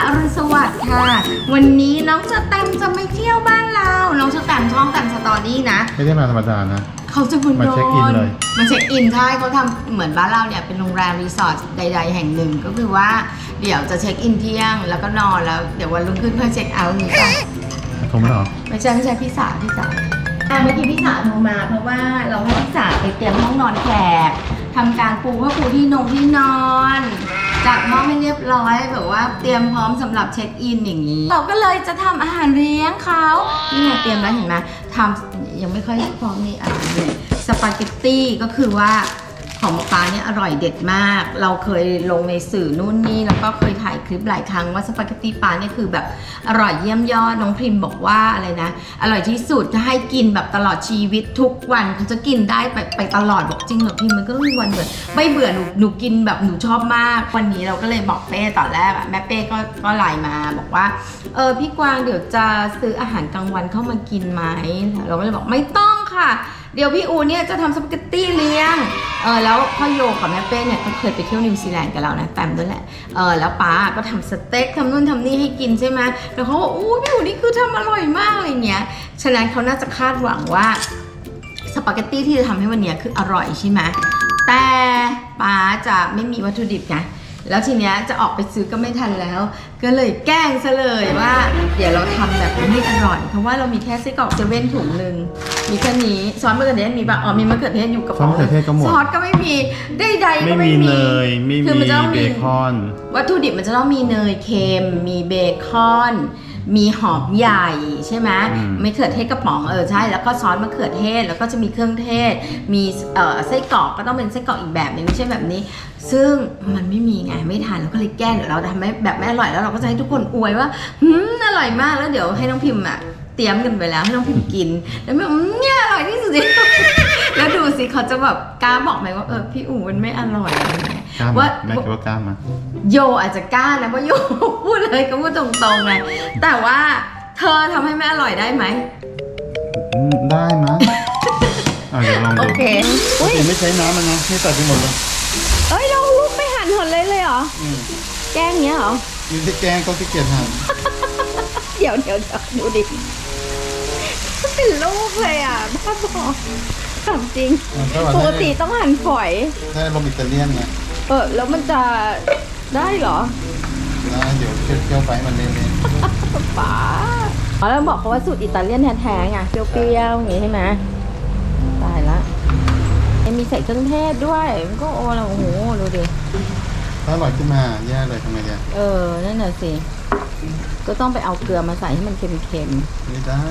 อรุณสวัสดิ์ค่ะวันนี้น้องจะแตมจะไม่เที่ยวบ้านเราน้องจะแตมช่องแตมสตอรี่นะไม่ได้มาธรรมดานะเขาจะมาเช็คอินเลยมาเช็คอินใช่เขาทำเหมือนบ้านเราเนี่ยเป็นโรงแรมรีสอร์ทใดๆแห่งหนึ่งก็คือว่าเดี๋ยวจะเช็คอินเที่ยงแล้วก็นอนแล้วเดี๋ยววันรุ่งขึ้นเพื่อเช็คเอาท์นี่ค่ะโทรมาหรอไม่ใช่พี่สาวเมื่อกี้พี่สาวโทรมาเพราะว่าเราให้พี่สาวไปเตรียมห้องนอนแขกทำการปูผ้าปูที่นอนจัดห้องให้เรียบร้อยแบบว่าเตรียมพร้อมสำหรับเช็คอินอย่างนี้เราก็เลยจะทำอาหารเลี้ยงเขานี่ไงเตรียมแล้วเห็นไหมทำยังไม่ค่อยพร้อมนี่เนี่ยสปาเกตตี้ก็คือว่าของหมอปลาเนี่ยอร่อยเด็ดมากเราเคยลงในสื่อนู่นนี่แล้วก็เคยถ่ายคลิปหลายครั้งว่าสปาเกตตี้ปลาเนี่ยคือแบบอร่อยเยี่ยมยอดน้องพิมพ์บอกว่าอะไรนะอร่อยที่สุดจะให้กินแบบตลอดชีวิตทุกวันเขาจะกินได้ไปตลอดบอกจริงเหรอพิมพ์มันก็มีวันเบื่อไม่เบื่อหนูกินแบบหนูชอบมากวันนี้เราก็เลยบอกเป้ตอนแรกแม่เป้ก็ไลน์มาบอกว่าพี่กวางเดี๋ยวจะซื้ออาหารกลางวันเข้ามากินไหมเราก็เลยบอกไม่ต้องค่ะเดี๋ยวพี่อูเนี่ยจะทำสปาเกตตี้เลี้ยงแล้วพ่อโยกับแม่เป้เนี่ยก็เคยไปเที่ยวนิวซีแลนด์กับเรานะแปมด้วยแหละแล้วป้าก็ทำสเต็กทำนู่นทำนี่ให้กินใช่ไหมแล้วเขาบอกอู้พี่อูนี่คือทำอร่อยมากอะไรเงี้ยฉะนั้นเขาน่าจะคาดหวังว่าสปาเกตตี้ที่จะทำให้วันนี้คืออร่อยใช่ไหมแต่ป้าจะไม่มีวัตถุดิบไงแล้วทีเนี้ยจะออกไปซื้อก็ไม่ทันแล้วก็เลยแกล้งซะเลยว่าเดี๋ยวเราทำแบบไม่อร่อยเพราะว่าเรามีแค่ไส้กรอกเซเว่นถุงนึงมีแค่นี้ซอสมะเขือเทศมีป่ะมีมะเขือเทศอยู่กับซอสมะเขือเทศก็หมดซอสก็ไม่มีใดๆก็ไม่มีเลยไม่มีเบคอนวัตถุดิบมันจะต้องมีเนยเค็มมีเบคอนมีหอมใหญ่ใช่ไหมมะเขือเทศกระป๋องใช่แล้วก็ซอสมะเขือเทศแล้วก็จะมีเครื่องเทศมีไส้กรอกก็ต้องเป็นไส้กรอกอีกแบบนึงไม่ใช่แบบนี้ซึ่งมันไม่มีไงไม่ทานเราก็เลยแกล้งเดี๋ยวเราทำให้แบบไม่อร่อยแล้วเราก็จะให้ทุกคนอวยว่าอร่อยมากแล้วเดี๋ยวให้น้องพิมพ์เตรียมกันไปแล้วให้น้องพิมพ์กินแล้วแม่เนี่ยอร่อยที่สุดแล้วดูสิเขาจะแบบกล้าบอกไหมว่าพี่อู๋มันไม่อร่อยอะไรเงี้ยว่าแม่คิดว่ากล้ามาโยอาจจะกล้านะเพราะโยพูดเลยก็พูดตรงๆไงแต่ว่าเธอทำให้แม่อร่อยได้ไหมได้มั้ยเดี๋ยวลองดูโอเคไม่ใช้น้ำมันนะนี่ใส่ไปหมดเลยเราลุกไปหั่นหมดเลยเหรอแกงเงี้ยเหรอมีที่แกงก็ที่เกียจหั่นเดี๋ยวดูดิเป็นลูกเลยบ้าบอถามจริงปกติต้องหั่นฝอยใช่ลมอิตาเลียนไงแล้วมันจะได้เหรอได้เดี๋ยวเคี่ยวไปมันเละๆป๋าแล้วบอกเขาว่าสูตรอิตาเลียนแท้ๆไงเปรี้ยวๆอย่างงี้ใช่ไหมตายละมีใส่เครื่องเทศด้วยมันก็โอ้โหดูดิถ้าอร่อยขึ้นมาแย่เลยทำไมเนี่ยนั่นน่ะสิก็ต้องไปเอาเกลือมาใส่ให้มันเค็มๆไม่ได้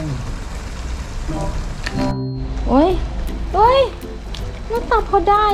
โอ้ยหน้าตาพอได้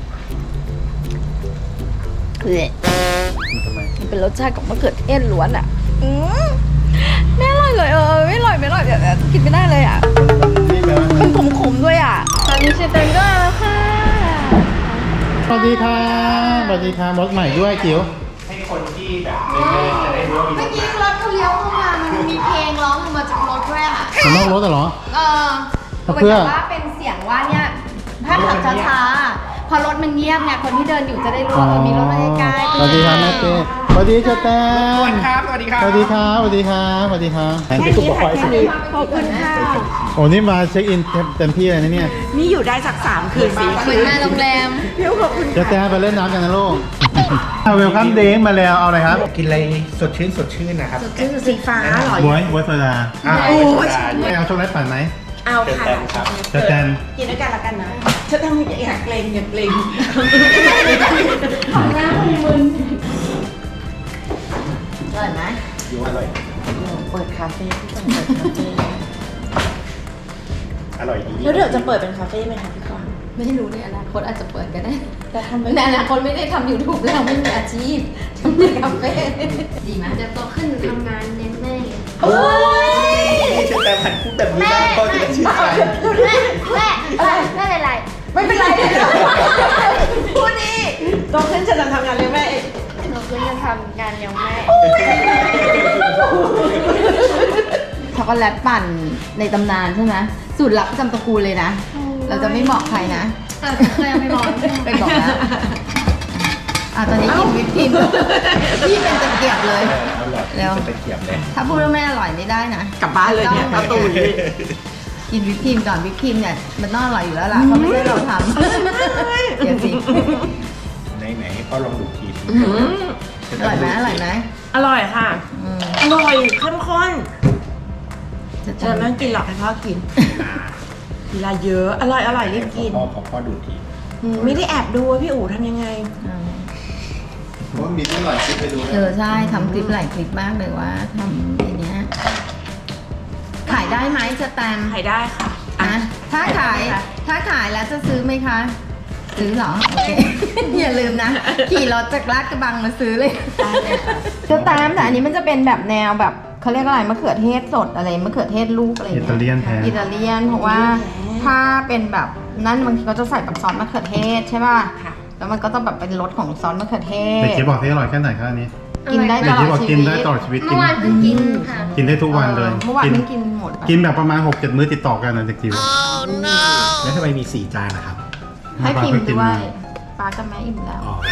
ทำไมมันเป็นรสชาติของมะเขือเทศล้วนไม่อร่อยเลยไม่อร่อยเดี๋ยวกินไม่ได้เลยมันขมๆด้วยตอนนี้เชตันก็แล้วค่ะสวัสดีค่ะรถใหม่ด้วยจิ๋วให้คนที่แบบไม่จะได้รู้ว่ามีเมื่อกี้รถเขาเลี้ยวเข้ามามันมีเพลงร้องออกมาจากรถด้วยมันนอกรถเหรอเพื่อว่าเป็นเสียงว่าเนี่ยถ้าขับช้าๆพอรถมันเงียบเนี่ยคนที่เดินอยู่จะได้รู้ว่ามีรถมาใกล้ๆสวัสดีครับแม่เต้สวัสดีเจ้าแตนสวัสดีครับสวัสดีครับแค่นี้ขอบคุณค่ะโอ้นี่มาเช็คอินเต็มที่เลยนะเนี่ยนี่อยู่ได้สัก3 คืนสิเหมือนมาโรงแรมขอบคุณเจ้าแตนไปเล่นน้ำกันนะลูกเวลคัมเด้งมาแล้วเอาอะไรครับกินอะไรสดชื่นนะครับสดชื่นสีฟ้าหรอบวยโซดาเอาช็อกโกแลตปั่นไหมเอาค่ะเจ้าแตนกินด้วยกันละกันนะฉันทำอย่าเกรงของหน้ามึนอร่อยไหมอร่อยเปิดคาเฟ่ที่ต้องเปิดคาเฟ่อร่อยดีแล้วเดี๋ยวจะเปิดเป็นคาเฟ่ไหมคะพี่กวางไม่รู้ในอนาคตอาจจะเปิดก็ได้แต่ทำในอนาคตไม่ได้ทำ YouTube แล้วไม่มีอาชีพทำในคาเฟ่ดีไหมจะโตขึ้นทำงานเน้นแม่นี่จะแต่ผันพูดแบบนี้ได้ก็จะชื่นใจไม่เป็นไรพูดดีโตขึ้นฉันจะทำงานเลี้ยงแม่โตขึ้นจะทำงานเลี้ยงแม่ช็อกโกแลตปั่นในตำนานใช่ไหมสูตรลับประจำตระกูลเลยนะเราจะไม่บอกใครนะเคยไม่บอกไปบอกนะตอนนี้กินวิปครีมพี่เป็นตะเกียบเลยเอาหลอดเร็วจะไปเกียบเลยถ้าพูดว่าไม่อร่อยไม่ได้นะกลับบ้านเลยเนี่ยประตูนี้กินวิปครีมก่อนวิปครีมเนี่ยมันต้องอร่อยอยู่แล้วล่ะเพราะไม่ใช่เราทำเดี๋ยวสิไหนให้พ่อลองดูทีอร่อยไหมอร่อยไหมอร่อยค่ะอืมอร่อยเข้มข้นจะจะไม่ต้องกินหรอกให้พ่อกินเวลาเยอะอร่อยรีบกินพ่อดูทีไม่ได้แอบดูว่าพี่อู๋ทำยังไงว่ามีตั้งหลายคลิปไปดูใช่ทำคลิปหลายคลิปมากเลยว่าทำอันเนี้ยขายได้ไหมจะแตมขายได้ค่ะนะถ้าขายแล้วจะซื้อไหมคะ ซื้อเหรอ โอเค อย่าลืมนะ ขี่รถจากลาดกระบังมาซื้อเลยจะแตมแต่อันนี้มันจะเป็นแบบแนวแบบเขาเรียกอะไรมะเขือเทศสดอะไรมะเขือเทศลูกอะไรอย่างอิเงี้ยตาเลียนแท้อิตาเลียนเพราะว่าถ้าเป็นแบบนั่นบางทีเขาจะใส่แบบซอสมะเขือเทศใช่ป่ะค่ะแล้วมันก็ต้องแบบเป็นรสของซอสมะเขือเทเด็กศเจ๊บอกที่อร่อยแค่ไหนครับอันนี้กินได้ตเด็กลอเจ๊ดบอกชีกินวิตได้ตลอดชีวิตเมื่อวานเพิ่งกินค่ะกินได้ทุกวันเลยเมื่อวานกินเพิ่งกินหมดไปกินแบบประมาณ 6-7 มื้อติดต่อกันนะเด็กจิ๋วแล้วทำไมมี4 จานนะครับให้พิมพ์กินด้วมายป้ากับแม่อิ่มแล้วอ๋อ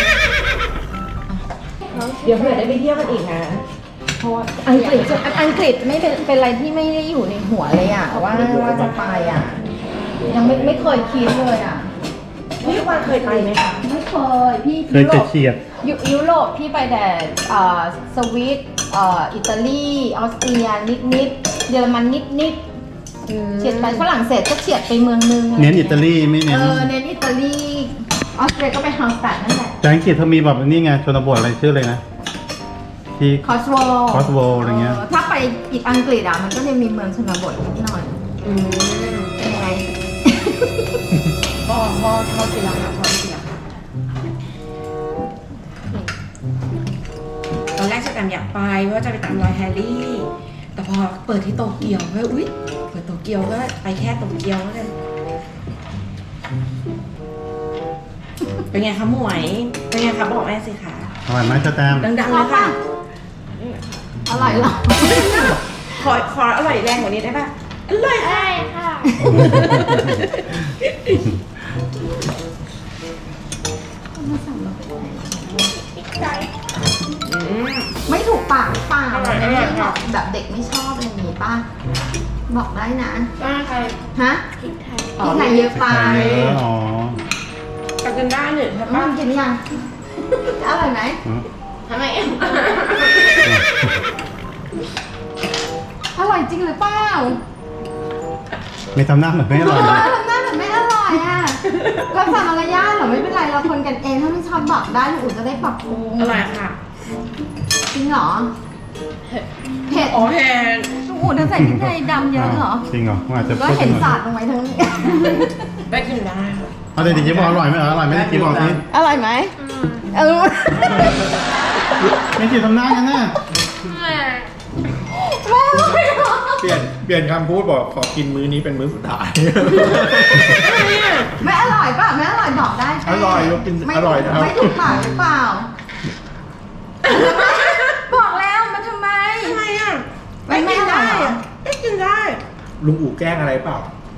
เดี๋ยวเผื่อได้ไปเที่ยวกันอีกนะเพราะว่าอังกฤษไม่เป็นอะไรที่ไม่ได้อยู่ในหัวเลยอ่ะว่าจะไปอ่ะ ยังไม่เคยคิดเลยอ่ะพี่วานเคยไปไหมคะไม่เคยพี่เคยเฉียดยุโรปพี่ไปแต่สวิตอิตาลีออสเตรียนิดเยอรมันนิดเฉียดไปฝรั่งเศสก็เฉียดไปเมืองนึงเน้นอิตาลีไม่เน้นเน้นอิตาลีออสเตรียก็ไปฮาลสตัดนั่นแหละแต่อังกฤษเขามีแบบนี่ไงชนบทอะไรชื่อเลยนะ ที่คอสโว Cotswold อะไรเงี้ยถ้าไปอีกอังกฤษอ่ะมันก็จะมีเมืองชนบทนิดหน่อยเป็นไงพ่อกินแล้วค่ะพ่อกินแล้วค่ะตอนแรกฉันอยากไปว่าจะไปตามรอยแฮร์รี่ แต่พอเปิดที่โตเกียวก็อุ๊ยเปิดโตเกียวก็ไปแค่โตเกียวแล้วกันเป็นไงคะหมวย เป็นไงคะบอกแม่สิคะอร่อยไหมจะแตมดังๆเลยค่ะอร่อยเหรอขออร่อยแรงกว่านี้ได้ป่ะอร่อยค่ะได้ค่ะไม่ถูกปากหรือเปล่าอร่อยไม่อร่อยค่ะแบบเด็กไม่ชอบอะไรอย่างงี้ป่ะ บอกได้นะมาค่ะฮะพริกไทยพี่ไทยเยอะไปไข่เยอะอ๋อกินได้เนี่ยใช่ป่ะกินยัง อร่อยไหมทำไมอร่อยจริงหรือเปล่าไม่ทำหน้าเหมือนไม่อร่อยเลยทำหน้าแบบไม่อร่อยอ่ะเราสั่งมารยาทเหรอไม่เป็นไรเราคนกันเองถ้าไม่ชอบบอกได้หนูจะได้ปรับปรุงอร่อยค่ะจริงเหรอเผ็ดอ๋อแฮนอู๋เธอใส่พริกไทยดำเยอะเหรอจริงเหรออาจจะก็เห็นสาดลงไปทั้งนี้ได้กินได้ค่ะเอาเด็กจิ๋วบอกอร่อยไหมอร่อยไหมเด็กจิ๋วบอกสิอร่อยไหมเออเด็กจิ๋วทำหน้ากันนะไม่อร่อยเหรอเปลี่ยนคำพูดบอกขอกินมื้อนี้เป็นมื้อสุดท้ายไม่อร่อยป่ะไม่อร่อยบอกได้อร่อยเรากินไม่อร่อยนะครับไม่ถูกปากหรือเปล่า บอกแล้วมันทำไมทำไมอ่ะมันไม่อร่อยเหรอได้กินได้ลุงอู๋แกล้งอะไรเปล่า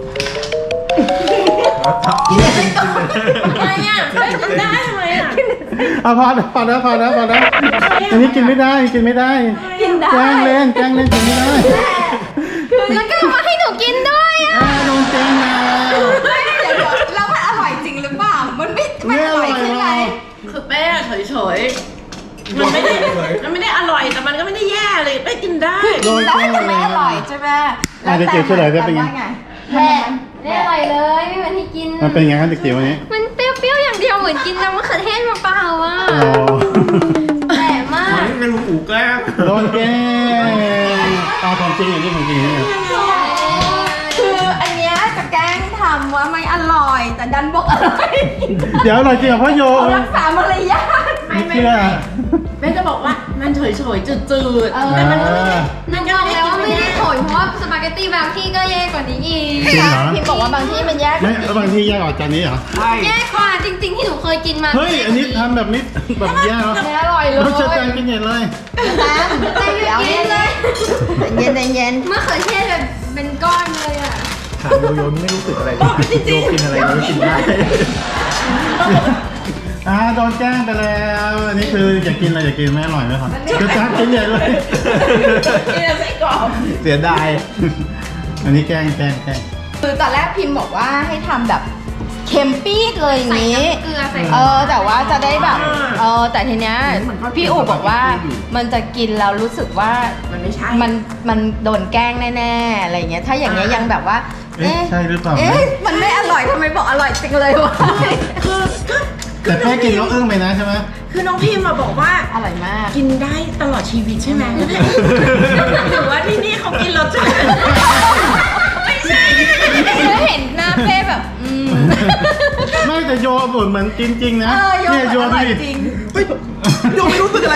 ทำไมอ่ะได้กินได้ทำไมอ่ะเอาพอแล้วอันนี้กินไม่ได้กินไม่ได้กินได้แกล้งเล่นกินไม่ได้แล้วก็มาให้หนูกินด้วยอ่ะโดนแกล้งแล้วไม่เดี๋ยวแล้วมันอร่อยจริงหรือเปล่า มันไม่อร่อยใช่ไหมคือแป้เฉยๆมันไม่ได้อร่อยแต่มันก็ไม่ได้แย่เลยแป้กินได้โดนได้แกล้งแต่ไม่แล้อวร่อยใช่ไหมเด็กจิ๋วเฉลยได้เป็นไงว่าแม่ไม่อร่อยเลยไม่เหมือนที่กินมันเป็นไงครับเด็กจิ๋ววันนี้มันเปรี้ยวๆอย่างเดียวเหมือนกินน้ำมะเขือเทศเปล่าๆอ่ะอ๋อแปลกมากนี่เป็นลุงอู๋แกล้งโดนแกล้งเอาของจริงอย่างนี้ของจริงเนี่ยคืออันเนี้ยจะแกล้งทำว่าไม่อร่อย แต่ดันบอกอร่อยเดี๋ยวอร่อยจริงเหรอพ่อโยเขารักษามารยาทไม่เชื่อแม่จะบอกว่ามันเฉยๆจืดเออๆแต่มันก็ไม่ได้นึกบอกแล้วว่าไม่ได้ผลเพราะว่าสปาเกตตี้บางที่ก็แย่กว่านี้อีกจริงเหรอพิมพ์บอกว่าบางที่มันแยกไม่แล้วบางทีแยกออกจากนี้เหรอแย่กว่าจริง ๆ ที่หนูเคยกินมาเฮ้ย อันนี้ทำแบบนี้แบบแย่แล้วไม่อร่อยเลยเราจะแจงกินเห็นเลยตามเดี๋ยวกินเลยเย็นเย็นมะเขือเทศแบบเป็นก้อนเลยอ่ะถามโยโยไม่รู้สึกอะไรเลยโยกินอะไรก็กินได้โดนแกล้งไปแล้วอันนี้คืออยากกินอะไรอยากกินไม่อร่อยไหมครับจะจ้ากินใหญ่เลยนี่เราใส่กรอบเสียดายอันนี้แกล้งคือตอนแรกพิมพ์บอกว่าให้ทำแบบเค็มปี๊ดเลยอย่างใส่นี้น้ำเกลือใส่แต่ว่าจะได้แบบแต่ทีเนี้ยพี่อู๋บอกว่ามันจะกินแล้วรู้สึกว่ามันไม่ใช่มันโดนแกล้งแน่ๆอะไรอย่างเงี้ยถ้าอย่างเงี้ยยังแบบว่าเอ๊ะใช่หรือเปล่ามันไม่อร่อยทำไมบอกอร่อยจังเลยวะคือก็แต่แค่กินแล้วอึ้งไปนะใช่ไหมคือน้องพิมพ์มาบอกว่าอร่อยมากกินได้ตลอดชีวิตใช่ไหมหรือว่าที่นี่เขากินรสชาติไม่ใช่แล้วเห็นหน้าเป้แบบไม่แต่โยเหมือนกินจริงนะโยเนี่ยโยอดูร่อยดิจริงโยไม่รู้สึกอะไร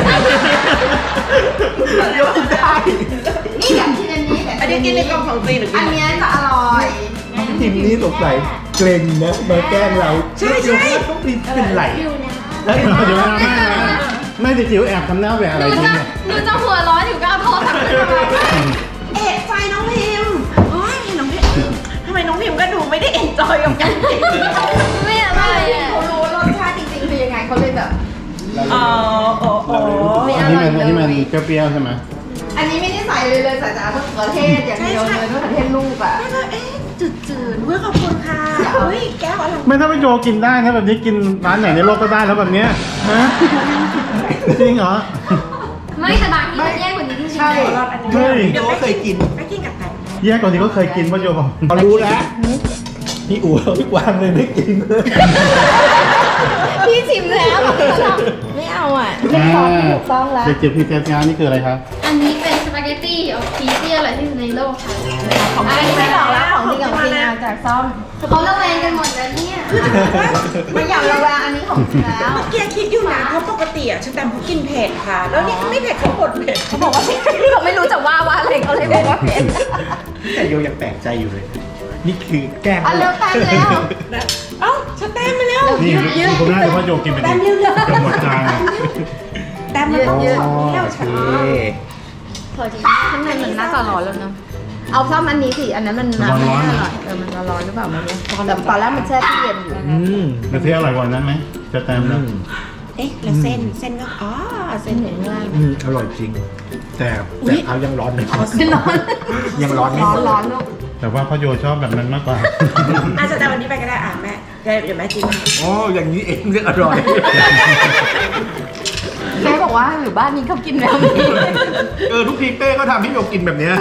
โยได้นี่อยากกินอันนี้แต่อันนี้กินในกล่องของจีนหรือกิอันนเนี้ยจะอร่อยน้องพิมนี่สงสัยเกรงนะมาแกล้งเราใช่โยว่าต้องพิมเป็นไหลแล้วเดี๋ยวนะแม่ดิจิ๋วแอบทำหน้าแหวะอะไรหนูกินจะเนี่ยหนูจะหัวร้อนอยู่ก็เอาโทรศัพท์ขึ้นมาเอกใจน้องพิมพ์โอ้ยน้องพิมพ์ทำไมน้องพิมพ์ก็ดูไม่ได้เอ็นจอยกับการกินไม่อร่อยอ่ะเขารู้รสชาติจริงๆคือยังไงเขาเลยแบบอ๋อโอ้โหอันนี้มันเปรี้ยวๆใช่ไหมอันนี้ไม่ได้ใส่เลยใส่แต่มะเขือเทศอย่างเดียวเลยมะเขือเทศลูกอ่ะแล้วก็เอ๊ะจืดๆเว้ยขอบคุณค่ะเฮ้ยแก้วอะไรไม่ถ้าไปโยกินได้นะแบบนี้กินร้านไหนในโลกก็ได้แล้วแบบเนี้ยฮะจริงเหรอไม่แต่บางที่มันแย่กว่านี้จริงๆใช่เฮ้ยโยก็เคยกินไม่กินกับไก่แย่กว่านี้ก็เคยกินป่ะโยบอกพอรู้แล้วพี่อู๋เอาพี่กวางเลยไม่กินเลยพี่ชิมแล้วไม่เอาอ่ะไม่พอที่ถูกต้องแล้วเด็กจิ๋วพีเทสงานนี่คืออะไรครับอันนี้เป็นสปาเกตตี้อบชีสที่อร่อยที่สุดในโลกค่ะของจริงไม่หรอกแล้วของจริงของจริงเอาจากซ่อมเขาระแวงกันหมดแล้วเนี่ยไม่อยากระแวงอันนี้ของจริงแล้วเมื่อกี้คิดอยู่นะเพราะปกติอ่ะฉันแต่เขากินเผ็ดค่ะ แล้วนี่เขาไม่เผ็ดเขาบดเผ็ดเขาบอกว่าเขาไม่รู้จะว่าอะไรเขาเลยบอกว่าเผ็ดแต่โยยังแปลกใจอยู่เลย นี่คือแกล้งเอาเร็วแป๊บเร็วเอ้าฉันแต้มมาแล้วนี่คุณน่าจะว่าโยกินไปดิจะหมดจานแต้มมาต้องสองแก้วโอฉันเคพอจริงข้างในมันน่าจะร้อนแล้วเนาะเอาซ่อมอันนี้สิอันนั้นมันน้ำไม่อร่อยมันร้อนหรือเปล่าไม่รู้แต่ตอนแรกมันแช่ตู้เย็นอยู่กระเทียมอร่อยกว่านั้นไหมจะแต้มแล้วเอ๊ะแล้วเส้นก็อ๋อเส้นเห็นว่าอร่อยจริง แต่เขายังร้อนไม่พอร้อนยังร้อนไม่หมดร้อนลูกแต่ว่าพ่อโยชอบแบบนั้นมากกว่าอาจจะแต่วันนี้ไปก็ได้อ่ะแม่เดี๋ยวแม่จิ้มอ๋ออย่างนี้เองเรียกอร่อยแม่บอกว่าหรือบ้านนี้เขากินแล้วนี้ทุกทีเป้ก็ทำให้โยกินแบบเนี้ย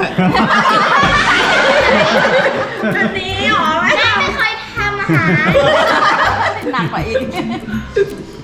อันนี้เหรอแม่แม่ไม่เคยทำอาหารหนักกว่าอีก